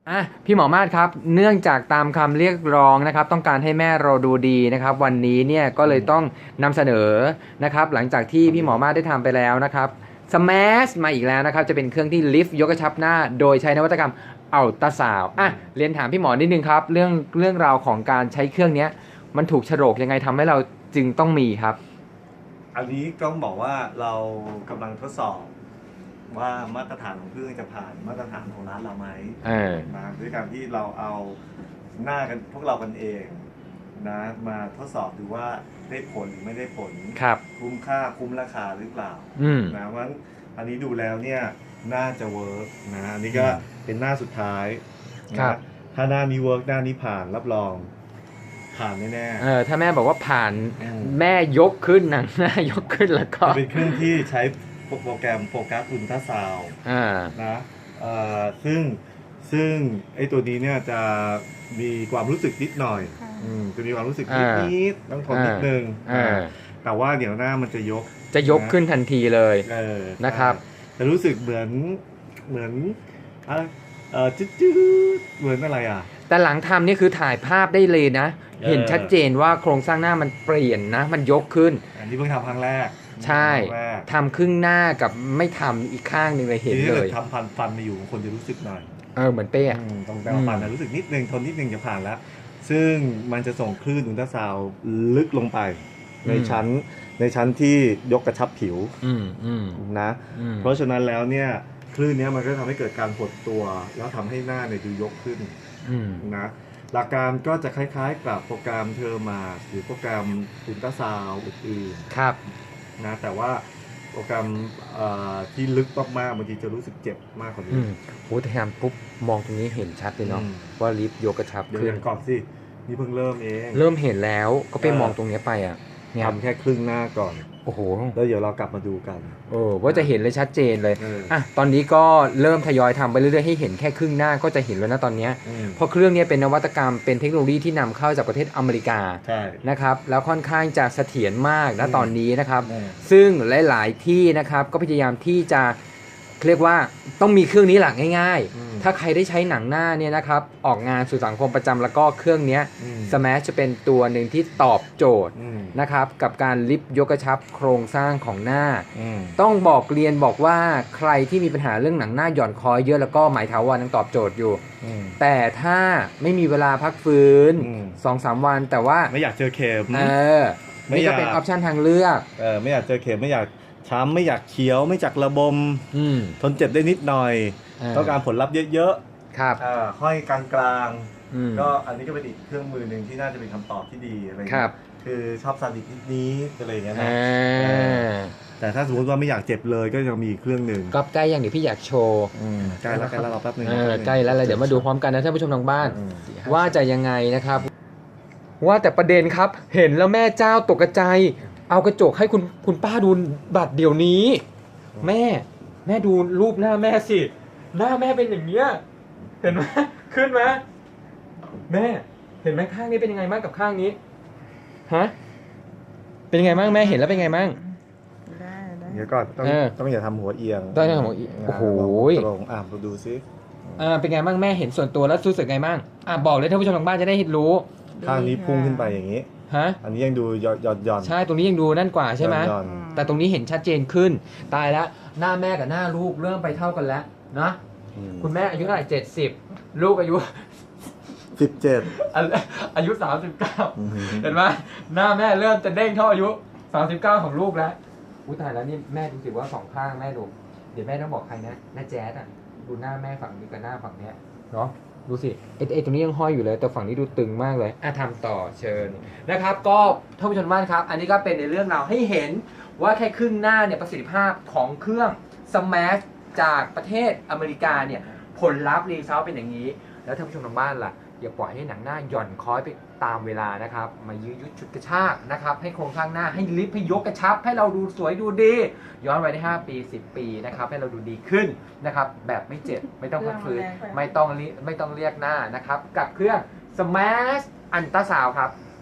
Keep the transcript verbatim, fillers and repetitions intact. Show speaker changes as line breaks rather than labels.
อ่ะพี่หมอมาศครับเนื่องจากตามคำเรียกร้องนะครับต้องการให้แม่เราดูดีนะครับวันนี้เนี่ยก็เลยต้องนำเสนอนะครับหลังจากที่พี่หมอมาศได้ทำไปแล้วนะครับสแมชมาอีกแล้วนะครับจะเป็นเครื่องที่ลิฟต์ยกกระชับหน้าโดยใช้นวัตกรรมอัลตราซาวด์อ่ะเรียนถามพี่หมอนิดนึงครับเรื่องเรื่องราวของการใช้เครื่องนี้มันถูกโฉลกยังไงทำให้เราจึงต้องมีครับ
อันนี้ต้องบอกว่าเรากำลังทดสอบว่ามาตรฐานของเครื่องจะผ่านมาตรฐานของร้านเราไหม
เออ
นะด้วยการที่เราเอาหน้ากันพวกเรากันเองนะมาทดสอบดูว่าได้ผลหรือไม่ได้ผล
ครับ
คุ้มค่าคุ้มราคาหรือเปล่า
อืม
นะเพราะฉะนั้นอันนี้ดูแล้วเนี่ยน่าจะเวิร์กนะอันนี้ก็เป็นหน้าสุดท้ายนะครับ ถ้าหน้านี้เวิร์กหน้านี้ผ่านรับรองผ่านแน่ๆ
เออถ้าแม่บอกว่าผ่าน
อืม
แม่ยกขึ้นหนังหน้ายกขึ้นแล้วก็
จะเป็นเครื่องที่ใช้โปรแกรมโฟกัสอุลตราซาวด์
อ่า
นะเอ่อซึ่งซึ่งไอ้ตัวนี้เนี่ยจะมีความรู้สึกนิดหน่อย
ค่ะ
อืมจะมีความรู้สึกนิด
อ่า
นิดต้องทนนิดนึง
อ่า
อ่าแต่ว่าเดี๋ยวหน้ามันจะยก
จะยกขึ้นทันทีเลย
เออ
นะครับ
จะรู้สึกเหมือนเหมือนอะไรเออจืดจืดเหมือนอะไรอ่ะ
แต่หลังทำนี่คือถ่ายภาพได้เลยนะ
เออ
เห็นชัดเจนว่าโครงสร้างหน้ามันเปลี่ยนนะ มันยกขึ้น
อันนี้เพิ่งทำครั้งแรก
ใช่
ครั้งแรก
ทำครึ่งหน้ากับไม่ทำอีกข้างหนึ่งเลยเห็น
ทีนี้
เล
ถ้าย กิดทำฟันฟันมาอยู่คนจะรู้สึกหน่อย
เออเหมือนเป้อะ
อืมตรงแปลงฟันนะรู้สึกนิดนึงทนนิดนึงจะผ่านแล้ว ซึ่งมันจะส่งคลื่นอุลตราซาวด์ลึกลงไป ในชั้นในชั้นที่ยกกระชับผิว
อืมอืม
นะ
อืม
เพราะฉะนั้นแล้วเนี่ยคลื่นเนี้ยมันก็ทำให้เกิดการหดตัว แล้วทำให้หน้าเนี่ยดูยกขึ้น
อืม
นะหลักการก็จะคล้ายๆกับโปรแกรมเทอร์มาหรือโปรแกรมอุลตราซาวด์อื่น
ครับ
ๆนะแต่ว่าโปรแกรมเอ่อที่ลึกมากๆบางทีจะรู้สึกเจ็บมากกว่า
อื
นี้
มโหแต่ทำปุ๊บมองตรงนี้เห็นชัดเลยเนาะ
อืม
ว่าลิฟต์ยกกระชับ
เดี๋ยว
ขึ้น
ก่อนสินี่เพิ่งเริ่มเอง
เริ่มเห็นแล้วก็ไป
เออ
มองตรงเนี้ยไปอ่ะเนี่ย
ทำแค่ครึ่งหน้าก่อน
โอ้โห
แล้วเดี๋ยวเรากลับมาดูกัน
เออว่าจะเห็นเลยชัดเจนเลย
เออ
อ่ะตอนนี้ก็เริ่มทยอยทำไปเรื่อยๆให้เห็นแค่ครึ่งหน้าก็จะเห็นแล้วนะตอนเนี้ย
อืม
เพราะเครื่องนี้เป็นนวัตกรรมเป็นเทคโนโลยีที่นำเข้าจากประเทศอเมริกา
ใช่
นะครับแล้วค่อนข้างจะเสถียรมากนะ
อืม
ตอนนี้นะครับ
อืม
ซึ่งหลายๆที่นะครับก็พยายามที่จะเรียกว่าต้องมีเครื่องนี้หลักง่าย
อืม
ๆ ถ้าใครได้ใช้หนังหน้าเนี่ยนะครับออกงานสู่สังคมประจำแล้วก็เครื่องเนี้ย
อืม
สแมชจะเป็นตัวหนึ่งที่ตอบโจทย์
อืม
นะครับกับการลิฟต์ยกกระชับโครงสร้างของหน้า
อืม
ต้องบอกเรียนบอกว่าใครที่มีปัญหาเรื่องหนังหน้าหย่อนคอยเยอะแล้วก็หมายถาวรยังตอบโจทย์อยู่
อืม
แต่ถ้าไม่มีเวลาพักฟื้น
อืม
สองสามวันแต่ว่า
ไม่อยากเจอเข็ม
เออ
ไม่
นี่
อยา
ก็
ก
เป็นออปชันทางเลือก
เออไม่อยากเจอเข็มไม่อยากช้ำไม่อยากเขียวไม่อยากระบม
อืม
ทนเจ็บได้นิดหน่อย
า
ต้องการผลลัพธ์เยอะ
ครับ
ๆอ่าห้อยกลาง
อืม
ๆก็อันนี้ก็เป็นอีกเครื่องมือหนึ่งที่น่าจะเป็นคำตอบที่ดีอะไร
ค
เงี้
รั
ย
บ
คือชอบซาดิสนิดนี้อะไรอย่างเงี้ยนะ
อ่า
แต่ถ้าสมมติว่าไม่อยากเจ็บเลยก็ยังมีอีกเครื่องหนึ่ง
ก็ใกล้อย่างเดี๋ยวพี่อยากโชว์
อืมใกล้แล้วใกล้แล้วรอแป๊บนึง
เอ
รอ
อ
แป๊บนึง
ใกล้แล้วเลยเดี๋ยวมาดูพร้อมกันนะท่านผู้ชมทางบ้าน
อืม
ว่าจะยังไงนะครับ ว่าแต่ประเด็นครับ เห็นแล้วแม่เจ้าตกกระจายเอากระจกให้คุณคุณป้าดูบัตรเดี๋ยวนี้ แม่ แม่ดูรูปหน้าแม่สิ หน้าแม่เป็นอย่างเงี้ยเห็นไหมขึ้นไหมแม่ เห็นไหมข้างนี้เป็นยังไงบ้างกับข้างนี้ฮะเป็นยังไงบ้างแม่เห็นแล้วเป็นยังไงบ้าง
ได้ได้
เดี๋ยวก่อนต้อง
เออ
ต้องอย่าทำหัวเอียง
ต้องอย่าทำหัวเอียงโอ้โห
ตรงอ่ะมาดูซิ
อ่าเป็นไงบ้างแม่เห็นส่วนตัวแล้วรู้สึกไงบ้างอ่าบอกเลยท่านผู้ชมทางบ้านจะได้รู้
ข้างนี้พุ่งขึ้นไปอย่างนี้
ฮะ
อันนี้ยังดูหย่อนหย่อนหย่อน
ใช่ตรงนี้ยังดูนั่นกว่าใช่ไหม
หย่อน
แต่ตรงนี้เห็นชัดเจนขึ้น ตายแล้วหน้าแม่กับหน้าลูกเริ่มไปเท่ากันแล้วนะ
อืม
คุณแม่อายุเท่าไหร่เจ็ดสิบลูกอายุ
สิบเจ็ด
อายุสามสิบเก้าเห็นไหมหน้าแม่เริ่มจะเด้งเท่าอายุสามสิบเก้าของลูกแล้วอุ้ยตายแล้วนี่แม่ดูสิว่าสองข้างแม่ดูเดี๋ยวแม่ต้องบอกใครนะน้าแจ๊ดอ่ะดูหน้าแม่ฝั่งนี้กับหน้าฝั่งเนี้ยเนาะดูสิไอ้ไอ้ตรงนี้ยังห้อยอยู่เลยแต่ฝั่งนี้ดูตึงมากเลยอ่ะทำต่อเชิญนะครับก็ท่านผู้ชมบ้านครับ อันนี้ก็เป็นในเรื่องราวให้เห็นว่าแค่ครึ่งหน้าเนี่ยประสิทธิภาพของเครื่อง Smash จากประเทศอเมริกาเนี่ยผลลัพธ์รีเซลเป็นอย่างนี้ แล้วท่านผู้ชมทางบ้านล่ะอย่าปล่อยให้หนังหน้าหย่อนคล้อยไปตามเวลานะครับมายื้อยุดฉุดกระชากนะครับให้โครงสร้างหน้าให้ลิฟต์ให้ยกกระชับ ให้เราดูสวยดูดี ย้อนไปได้ห้าปีสิบปีนะครับให้เราดูดีขึ้นนะครับแบบไม่เจ็บไม่ต้องพักฟื้นไม่ต้องไม่ต้องเรียกหน้านะครับกับเครื่อง Smash อันตราซาวด์ครับ